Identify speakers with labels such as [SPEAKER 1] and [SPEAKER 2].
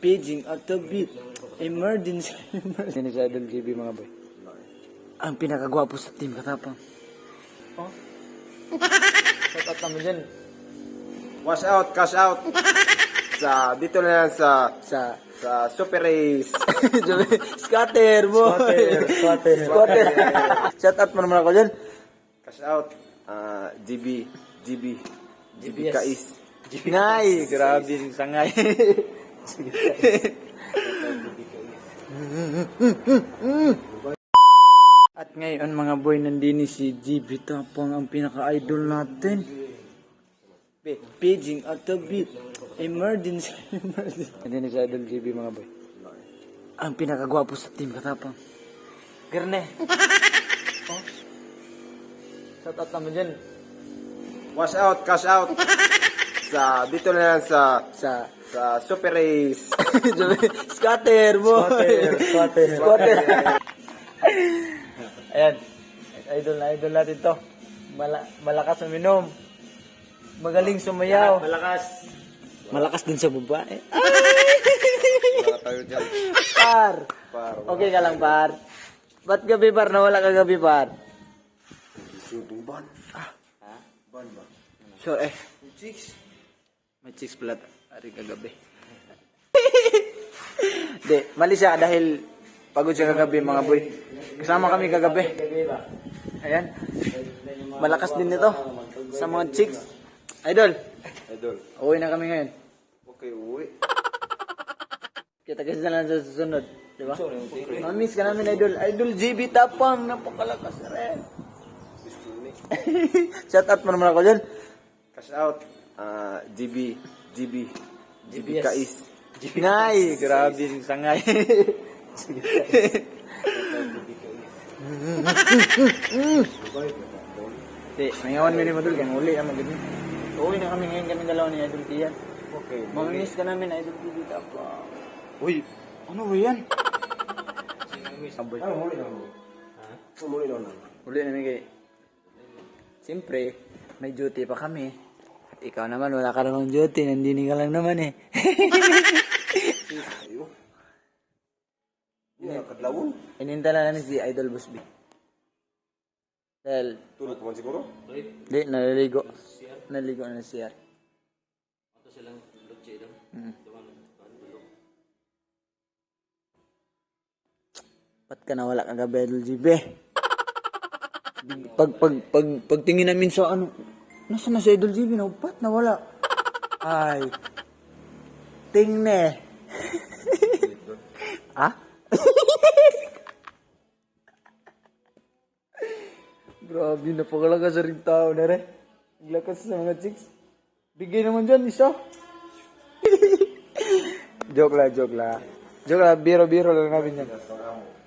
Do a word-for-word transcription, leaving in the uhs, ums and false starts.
[SPEAKER 1] Paging at the beat. Emergency. Emergency. Ni Idol G B mga boy. Ang pinakagwapo sa team Katapang. Oh? Shout out naman dyan.
[SPEAKER 2] Wash out, cash out. Sa, dito na yan sa,
[SPEAKER 1] Sa
[SPEAKER 2] sa Super Race.
[SPEAKER 1] scatter boy.
[SPEAKER 2] Squatter, squatter.
[SPEAKER 1] Squatter. Shout out mo naman ako dyan.
[SPEAKER 2] Cash out. Ah, G B, G B. G B
[SPEAKER 1] G B S.
[SPEAKER 2] Kais.
[SPEAKER 1] Ngay, grabe yung sangay. At ngayon mga boy, nandini si G B Tapang, ang pinaka-idol natin. Paging at the beat. Emergency. Emergency. Nandini si Idol G B mga boy. Ang pinakagwapo sa team Katapang. गर्ने. Oh? Shout out naman dyan.
[SPEAKER 2] Wash out, cash out. Sa, dito na yan sa,
[SPEAKER 1] Sa
[SPEAKER 2] sa Super Race.
[SPEAKER 1] scatter boy.
[SPEAKER 2] Squatter, squatter.
[SPEAKER 1] Squatter. Ayan. Idol na idol natin to. Mala malakas uminom. Magaling sumayaw.
[SPEAKER 2] Malakas.
[SPEAKER 1] Malakas din sa babae.
[SPEAKER 2] Wala tayo dyan.
[SPEAKER 1] Par.
[SPEAKER 2] Par.
[SPEAKER 1] Okay ka lang, par. Ba't gabi, par? Nawala ka gabi, par.
[SPEAKER 2] Shooting ban. Ah. Ban ba?
[SPEAKER 1] Sure, eh.
[SPEAKER 2] Chicks.
[SPEAKER 1] May chicks pala. Ari ka gabi. Di, mali siya dahil pagod siya kagabi, mga boy. Kasama kami kagabi. Ayan. Malakas din nito sa mga chicks. Idol,
[SPEAKER 2] Idol.
[SPEAKER 1] uwi na kami ngayon.
[SPEAKER 2] Okay, uwi.
[SPEAKER 1] Kita-kita na lang sa susunod. Di ba? Mamiss ka namin, Idol. Idol G B Tapang. Napakalakas rin. Shout out mo naman ako dyan.
[SPEAKER 2] Cash out. Ah, G B, G B. G B
[SPEAKER 1] G B S.
[SPEAKER 2] Kais.
[SPEAKER 1] Ngay, grabe yung sangay. Di, nangawan mo rin madul. Kaya uli ang maganda. Uwi na kami ngayon kami dalawa ni Idol Tian.
[SPEAKER 2] Okay.
[SPEAKER 1] Mamimiss ka namin, Idol G B Tapang.
[SPEAKER 2] Uy,
[SPEAKER 1] Ano ba yan?
[SPEAKER 2] Aboy. Ano muli na mo? Ha? Ano muli na mo?
[SPEAKER 1] Uli namin kay... Siyempre, may duty pa kami. At ikaw naman, wala ka namang duty. Nandini ka lang naman eh.
[SPEAKER 2] Ayo. Hindi na kadlawon.
[SPEAKER 1] Inintala namin si Idol Busby. Dahil,
[SPEAKER 2] Tulog pa man siguro?
[SPEAKER 1] di, naliligo. Naliligo na siya. Hmm. Ba't ka nawala kagabi, Idol G B? Pag, pag, pag, pagtingin namin sa ano, nasa na si Idol G B? No? Ba't nawala? Ay, tingne. Ah? Grabe, napakalakas sa rin tao na rin. Naglakas sa mga chicks. Bigay naman dyan, isa. Joke lang, joke lang. Joke lang, biro-biro lang namin yan.